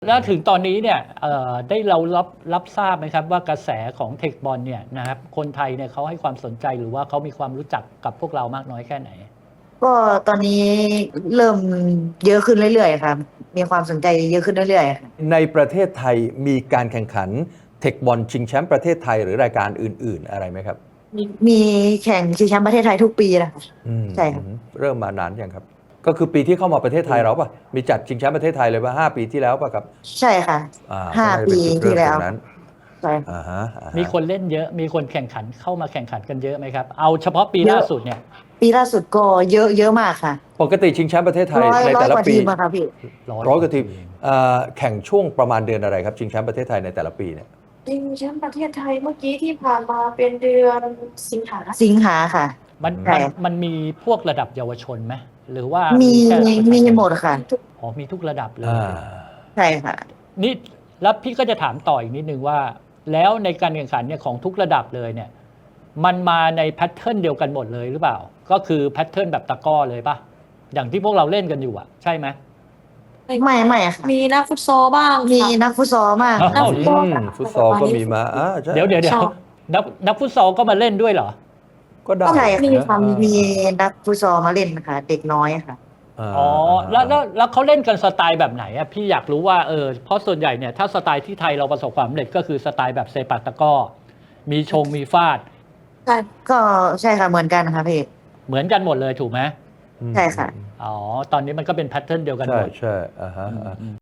แล้วถึงตอนนี้เนี่ยได้เรารับทราบไหมครับว่ากระแสของเทคบอลเนี่ยนะครับคนไทยเนี่ยเขาให้ความสนใจหรือว่าเขามีความรู้จักกับพวกเรามากน้อยแค่ไหนก็ตอนนี้เริ่มเยอะขึ้นเรื่อยๆครับมีความสนใจเยอะขึ้นเรื่อยๆค่ะในประเทศไทยมีการแข่งขันเทคบอลชิงแชมป์ประเทศไทยหรือรายการอื่นๆอะไรไหมครับมีแข่งชิงแชมป์ประเทศไทยทุกปีนะคะอืมใช่ครับเริ่มมานานยังครับก็คือปีที่เข้ามาประเทศไทยเราป่ะมีจัดชิงแชมป์ประเทศไทยเลยว่า5 ปีที่แล้วป่ะครับใช่ค่ะก็ห้าปีน่าจะเป็นจุดเริ่ที่แล้วมตรงนั้นใช่อ่าฮะอ่ามีฮะคนเล่นเยอะมีคนแข่งขันเข้ามาแข่งขันกันเยอะไหมครับเอาเฉพาะปีเยอะล่าสุดเนี่ยปีล่าสุดก็เยอะมากค่ะปกติชิงแชมป์ประเทศไทยร้อยในร้อยกว่าแต่ละปีทีมอะค่ะพี่ร้อยกว่าทีมแข่งช่วงประมาณเดือนอะไรครับชิงแชมป์ประเทศไทยในแต่ละปีเนี่ยชิงแชมป์ประเทศไทยเมื่อกี้ที่ผ่านมาเป็นเดือนสิงหาค่ะมันใช่มันมีพวกระดับเยาวชนไหมหรือว่ามีมีแค่ประชามีชนหมดค่ะอ๋อมีทุกระดับเลอ่ายใช่ค่ะนี่แล้วพี่ก็จะถามต่ออีกนิดนึงว่า แล้วในการแข่งขันเนี่ยของทุกระดับเลยเนี่ยมันมาในแพทเทิร์นเดียวกันหมดเลยหรือเปล่าก็คือแพทเทิร์นแบบตะกร้อเลยป่ะอย่างที่พวกเราเล่นกันอยู่อ่ะใช่ไหมไม่ค่ะมีนักฟุตซอลบ้างมีค่ะนักฟุตซอลมากอ้าวนักฟุตซอลฟุตซอลก็มีมาใช่เดี๋ยวใช่นักฟุตซอลก็มาเล่นด้วยเหรอก็ได้ใช่มีค่ะค่ะมีนักฟุตซอลมาเล่นนะคะเด็กน้อยค่ะอ๋อแล้วเขาเล่นกันสไตล์แบบไหนอ่ะพี่อยากรู้ว่าเพราะส่วนใหญ่เนี่ยถ้าสไตล์ที่ไทยเราประสบความสำเร็จก็คือสไตล์แบบเซปักตะกร้อมีมีฟาดใช่ก็ใช่ค่ะเหมือนกันค่ะพี่เหมือนกันหมดเลยถูกไหมใช่ค่ะอ๋อตอนนี้มันก็เป็นแพทเทิร์นเดียวกันหใช่มดใช่อ่าฮะ